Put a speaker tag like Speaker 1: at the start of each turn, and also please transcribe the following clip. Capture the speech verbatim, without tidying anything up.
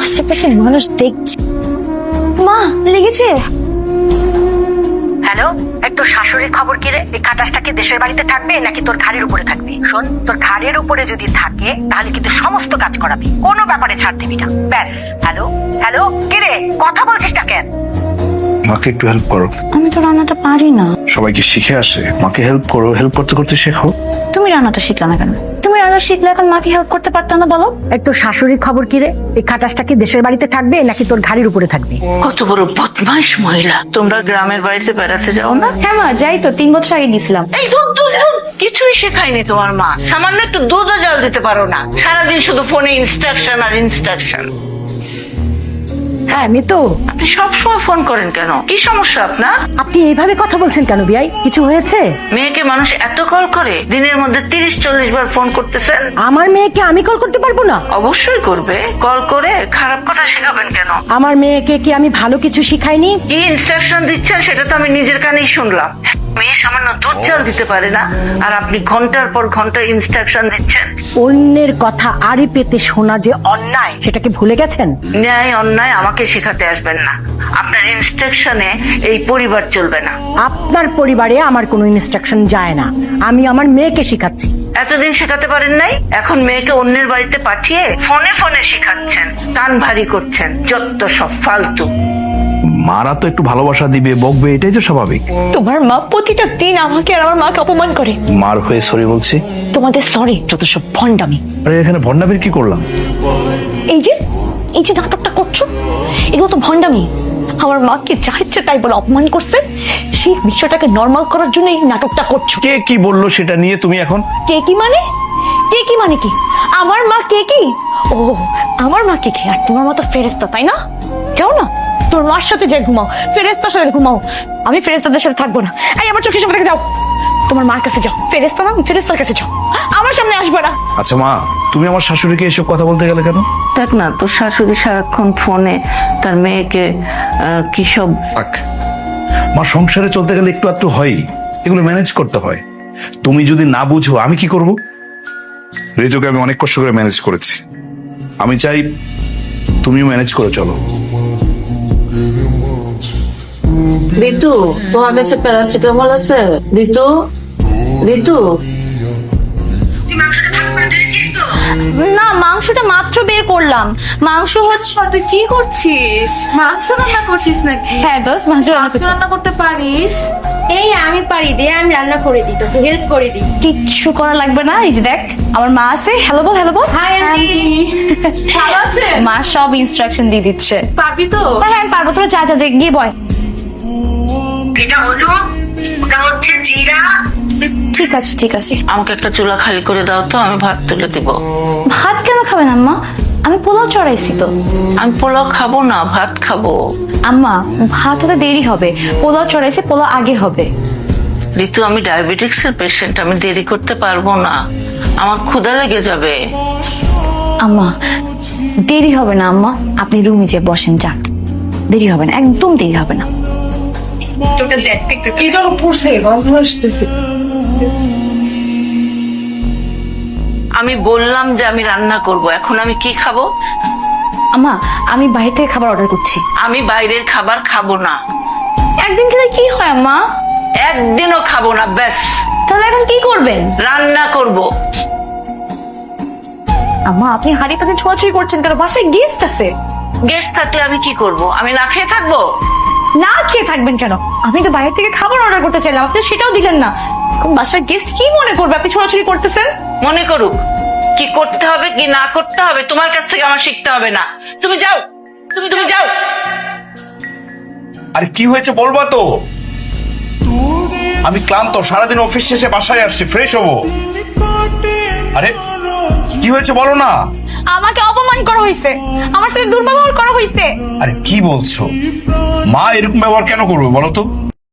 Speaker 1: আশেপাশে মানুষ দেখছে। মা লেগেছে।
Speaker 2: হ্যালো, এই তোর শাশুড়ির খবর কি রে? এই খাটাসটা কি দেশের বাড়িতে থাকবে নাকি তোর ঘাড়ের উপরে থাকবে? শোন, তোর ঘাড়ের উপরে যদি থাকে তাহলে কিন্তু সমস্ত কাজ করাবি, কোনো ব্যাপারে ছাড় দিবি না। ব্যাস। হ্যালো হ্যালো, কি রে কথা বলছিস না কেন?
Speaker 3: মাকে একটু হেল্প করো।
Speaker 1: আমি তো রান্নাটা পারি না।
Speaker 3: সবাইকে শিখে আসে, মাকে হেল্প করো, হেল্প করতে করতে শেখো।
Speaker 1: তুমি রান্নাটা শিখলে না কেন? তুমি রান্না শিখলে এখন মাকে হেল্প করতে পারতো না বলো?
Speaker 2: এই তোর শাশুড়ির খবর কি রে? এই খাটাসটা কি দেশের বাড়িতে থাকবে নাকি তোর ঘাড়ের উপরে থাকবে?
Speaker 4: কত বড় বদমাইশ মহিলা। তোমরা গ্রামের বাড়িতে বেড়াতে যাও না?
Speaker 1: হ্যাঁ মা, যাই তো, তিন বছর আগে গেছিলাম।
Speaker 4: এই দুধ দুধ দুধ কিছুই শেখায়নি তোমার মা। সামান্য একটু দুধও জল দিতে পারো না। সারাদিন শুধু ফোনে ইনস্ট্রাকশন আর ইনস্ট্রাকশন।
Speaker 2: হ্যাঁ মিতু,
Speaker 4: আপনি সবসময় ফোন করেন কেন? কি সমস্যা আপনার?
Speaker 2: আপনি এইভাবে কথা বলছেন কেন বিয়াই? কিছু হয়েছে?
Speaker 4: মেয়েকে মানুষ এত কল করে, দিনের মধ্যে তিরিশ চল্লিশ বার ফোন করতেছেন।
Speaker 2: আমার মেয়েকে আমি কল করতে পারবো না?
Speaker 4: অবশ্যই করবে। কল করে খারাপ কথা শেখাবেন কেন?
Speaker 2: আমার মেয়েকে কি আমি ভালো কিছু শিখাইনি?
Speaker 4: কি ইনস্ট্রাকশন দিচ্ছেন সেটা তো আমি নিজের কানেই শুনলাম। মেয়ে সামান্য দুধ জল দিতে পারে না, আর আপনি ঘন্টার পর ঘন্টা ইনস্ট্রাকশন দিচ্ছেন।
Speaker 2: অন্যের কথা আড়ি পেতে শোনা যে অন্যায়, সেটাকে ভুলে গেছেন?
Speaker 4: ন্যায় অন্যায় আমাকে শেখাতে আসবেন না। আপনার ইনস্ট্রাকশনে এই পরিবার চলবে না।
Speaker 2: আপনার পরিবারে আমার কোনো ইনস্ট্রাকশন যায় না, আমি আমার মেয়েকে শিখাচ্ছি।
Speaker 4: এতদিন শেখাতে পারেন নাই, এখন মেয়েকে অন্যের বাড়িতে পাঠিয়ে ফোনে ফোনে শিখাচ্ছেন, কান ভারী করছেন। যত সব ফালতু।
Speaker 3: মারা তো একটু ভালোবাসা দিবে, বকবে, এটাই তো স্বাভাবিক।
Speaker 1: তোমার মা প্রতিটা দিন আমাকে আর আমার মাকে অপমান করে।
Speaker 3: মার হয়ে সরি বলছি।
Speaker 1: তোমাদের সরি যত সব ভণ্ডামি।
Speaker 3: আরে এখানে ভন্ডামির কি করলাম?
Speaker 1: এই যে এই যে নাটকটা করছো, এগুলো তো ভণ্ডামি। আমার মাকে যা ইচ্ছে তাই বলে অপমান করছে, সেই বিষয়টাকে নর্মাল করার জন্য এই নাটকটা করছো।
Speaker 3: কে কি বললো সেটা নিয়ে তুমি এখন?
Speaker 1: কে কি মানে? কে কি মানে কি? আমার মা কে কি? ও, আমার মা কে কি? আর তোমার মতো ফেরেস্তা, তাই না? যাও না, তোর মার সাথে যে ঘুমাও, ফেরেস্তার সাথে ঘুমাও। আমি ফেরেস্তাদের সাথে থাকবো না। এই আমার চোখের সামনে থেকে যাও, তোমার মার কাছে যাও। ফেরেস্তা না, ফেরেস্তার কাছে যাও, আমার সামনে আসবে না।
Speaker 3: আচ্ছা মা, তুমি আমার শাশুড়িকে এসব কথা বলতে গেলে কেন?
Speaker 4: দেখ না, তোর শাশুড়ি সারাক্ষণ ফোনে তার মেয়েকে আহ, কি সব।
Speaker 3: থাক, মা সংসারে চলতে গেলে একটু একটু হয়, এগুলো ম্যানেজ করতে হয়। তুমি যদি না বুঝো আমি কি করব? রেজোকে আমি অনেক কষ্ট করে ম্যানেজ করেছি, আমি চাই তুমিও ম্যানেজ করে চলো।
Speaker 4: ঋতু, তোমার কাছে প্যারাসিটামল আছে? ঋতু, ঋতু,
Speaker 1: না, মাংসটা মাত্র বের করলাম। মাংস হচ্ছে।
Speaker 5: তুই কি করছিস? মাংস রান্না করছিস নাকি?
Speaker 1: হ্যাঁ দোস্ত, মাংস রান্না
Speaker 5: মাংস
Speaker 1: করছি।
Speaker 5: রান্না করতে পারিস?
Speaker 6: এই আমি পারি দে, আমি রান্না করে দিই, তোকে হেল্প করে দিই।
Speaker 1: কিচ্ছু করা লাগবে না। এই যে দেখ, আমার মা আছে। হ্যালো বল, হ্যালো বল।
Speaker 6: Hi aunty.
Speaker 5: ভালো আছে?
Speaker 1: মা সব ইনস্ট্রাকশন দিয়ে দিচ্ছে।
Speaker 5: পারবি তো?
Speaker 1: হ্যাঁ হ্যাঁ, আমি পারবো। তোরা যা যা যা, গিয়ে বয়।
Speaker 4: এটা হলো, ওটা হচ্ছে জিরা।
Speaker 1: ঠিক আছে ঠিক আছে।
Speaker 4: আমাকে একটা চুলা খালি করে দাও তো, আমি ভাত তুলে দিব।
Speaker 1: ভাত কেন খাবেন আম্মা? আমি পোলাও চড়াইছি তো।
Speaker 4: আমি পোলাও খাবো না, ভাত খাবো।
Speaker 1: আম্মা, ভাত হতে দেরি হবে, পোলাও চড়াইছি, পোলাও আগে হবে।
Speaker 4: ঋতু, আমি ডায়াবেটিক্স এর পেশেন্ট, আমি দেরি করতে পারবো না, আমার ক্ষুধা লেগে যাবে।
Speaker 1: আম্মা, দেরি হবে না আম্মা, আপনি রুমে যেয়ে বসেন, যান। দেরি হবে না, একদম দেরি হবে না।
Speaker 5: তোকে দেখতে কি যেন পড়ছে, গন্ধ আসতেছে।
Speaker 4: আমি বললাম যে আমি রান্না করব, এখন আমি কি খাবো?
Speaker 1: আম্মা, আমি বাইরে থেকে খাবার অর্ডার করছি।
Speaker 4: আমি বাইরের খাবার খাবো না,
Speaker 1: একদিন খেলে কি হয় আম্মা?
Speaker 4: একদিনও খাবো না। ব্যাস,
Speaker 1: তাহলে এখন কি করবেন?
Speaker 4: রান্না করব।
Speaker 1: আম্মা, আপনি হাঁড়ি পাখি ছোঁয়াছুঁই করছেন কেন? বাসায় গেস্ট আছে।
Speaker 4: গেস্ট থাকলে আমি কি করব? আমি না খেয়ে থাকবো?
Speaker 1: না খেয়ে থাকবেন কেন? আমি তো বাইরে থেকে খাবার অর্ডার করতে চাইলাম, আপনি সেটাও দিলেন না। বাসার গেস্ট কি মনে করবে আপনি ছোড়াছুড়ি করতেছেন?
Speaker 4: মনে করুক, কি করতে হবে কি না করতে হবে তোমার কাছ থেকে আমার শিখতে হবে না। তুমি যাও, তুমি তুমি যাও।
Speaker 3: আরে কি হয়েছে বলবা তো? আমি ক্লান্ত, সারাদিন অফিস শেষে বাসায় আসছি, ফ্রেশ হবো। আরে কি হয়েছে বলো না?
Speaker 1: আমাকে অপমান করা হয়েছে, আমার সাথে দুর্ব্যবহার করা হয়েছে।
Speaker 3: আরে কি বলছো? মা এরকম ব্যবহার কেন করবে বলো তো?